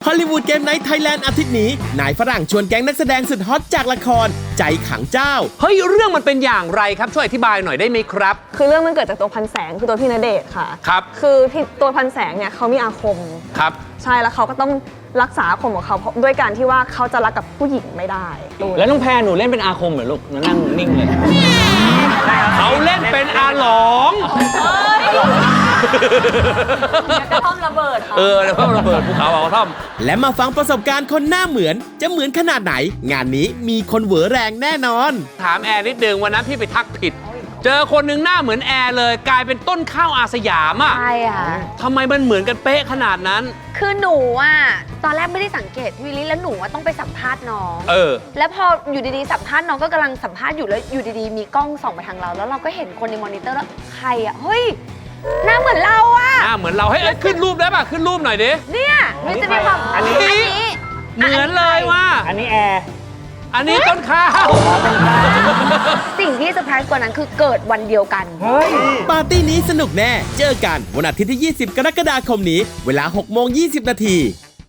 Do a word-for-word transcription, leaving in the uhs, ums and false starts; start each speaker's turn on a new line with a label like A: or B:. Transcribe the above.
A: ฮอลลีวูดเกมไนท์ไทยแลนด์อาทิตย์นี้นายฝรั่งชวนแก๊งนักแสดงสุดฮอตจากละครใจขังเจ้า
B: เฮ้ยเรื่องมันเป็นอย่างไรครับช่วยอธิบายหน่อยได้ไหมครับ
C: คือเรื่องมันเกิดจากตัวพันแสงคือตัวพี่ณเดชน์ค่ะ
B: ครับ
C: คือตัวพันแสงเนี่ยเขามีอาคม
B: ครับ
C: ใช่แล้วเขาก็ต้องรักษาอาคมของเขาด้วยการที่ว่าเขาจะรักกับผู้หญิงไม่ได้
D: แล้วน้องแพรหนูเล่นเป็นอาคมเหรอลูกนั่งนิ่งเลย
B: เขาเล่นเป็นอาหลง
C: กระท่อมระเบิดค่ะ
B: เออกระท่อมระเบิดภูเขาเอากระท่อม
A: และมาฟังประสบการณ์คนหน้าเหมือนจะเหมือนขนาดไหนงานนี้มีคนเหวอแรงแน่นอน
B: ถามแอร์นิดนึงวันนั้นพี่ไปทักผิดเจอคนหนึ่งหน้าเหมือนแอร์เลยกลายเป็นต้นข้าวอาสยามอ่ะ
E: ใช่ค่ะ
B: ทำไมมันเหมือนกันเป๊ะขนาดนั้น
E: คือหนูอ่ะตอนแรกไม่ได้สังเกตวิลลี่แล้วหนูต้องไปสัมภาษณ์น้อง
B: เออ
E: แล้วพออยู่ดีๆสัมภาษณ์น้องก็กำลังสัมภาษณ์อยู่แล้วอยู่ดีๆมีกล้องส่องมาทางเราแล้วเราก็เห็นคนในมอนิเตอร์แล้วใครอ่ะเฮ้ยหน้าเหมือนเราอ่ะ
B: หน้าเหมือนเราให้ขึ้นรูปได้ป่ะขึ้นรูปหน่อยดิ
E: เนี่ยมันจะมีความ
D: อันนี้
B: เหมือนเลยว่า
D: อันนี้แอร์
B: อันนี้ต้นข้าว
E: สิ่งที่เซอร์ไพรส์กว่านั้นคือเกิดวันเดียวกัน
A: ปาร์ตี้นี้สนุกแน่เจอกันวันอาทิตย์ที่ยี่สิบกรกฎาคมนี้เวลาหกโมงยี่สิบนาที